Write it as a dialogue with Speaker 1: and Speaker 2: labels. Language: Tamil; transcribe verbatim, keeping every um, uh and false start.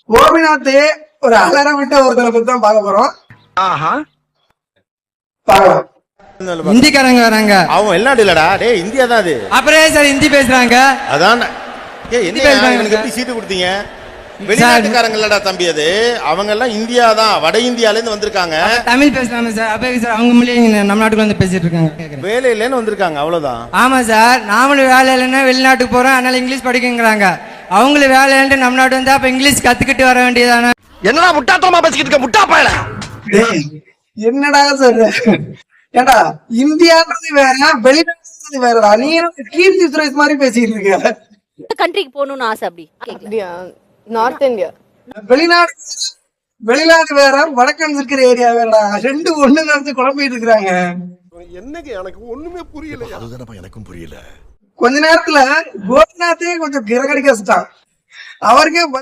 Speaker 1: கோபிநாத் ஒரு அலாரம் விட்ட ஒருத்தரை பத்தி தான் பார்க்க போறோம். பார்க்கலாம்.
Speaker 2: ஹிந்திக்காரங்க வராங்க.
Speaker 3: அவன் வெளிநாடு இல்லடா, டேய் இந்தியா தான் அது.
Speaker 2: அப்புறம் சார் ஹிந்தி பேசுறாங்க.
Speaker 3: அதான் ஏய் என்ன எனக்கு எப்படி சீட்டு கொடுத்தீங்க? வெளிநாட்டுக்காரங்க இல்லடா தம்பி, அது அவங்க எல்லாம் இந்தியா தான், வட இந்தியால இருந்து வந்திருக்காங்க.
Speaker 2: தமிழ் பேசுறாங்க சார். அப்ப சார் அவங்க மொழியை நம்ம நாட்டுக்குள்ள வந்து பேசிட்டு இருக்காங்க.
Speaker 3: வேலை இல்லைன்னு வந்திருக்காங்க, அவ்வளவுதான்.
Speaker 2: ஆமா சார், நாமளும் வேலை இல்லைன்னா வெளிநாட்டுக்கு போறோம், அதனால இங்கிலீஷ் படிக்கங்கிறாங்க. அவங்களும் வேலை இல்லைன்னு நம்ம நாட்டு வந்து அப்ப இங்கிலீஷ் கத்துக்கிட்டு வர வேண்டியதானே.
Speaker 4: என்னடா முட்டாத்தனமா பேசிக்கிட்டு இருக்க முட்டா பயல.
Speaker 1: என்னடா சொல்ற? ஏண்டா இந்தியான்றது வேற, வெளிநாட்டுறது வேறடா. நீ கீர்த்தி சுரேஷ் மாதிரி பேசிட்டு இருக்க.
Speaker 5: கண்ட்ரிக்கு போகணும்னு ஆசை. அப்படி
Speaker 6: அப்படியா? North India.
Speaker 1: வெளிநாடு வெளிநாடு வேற, வடக்கன் இருக்கிற ஏரியா வேறடா. ரெண்டு ஒண்ணு நடந்து குழம்பிட்டு இருக்காங்க.
Speaker 4: என்னங்க எனக்கு ஒண்ணுமே புரியல. அதுதானப்பா எனக்கும் புரியல.
Speaker 1: கொஞ்ச நேரத்துல கோபிநாத்தே கொஞ்சம் கிரகடிக்க வச்சுட்டான். அவருக்கே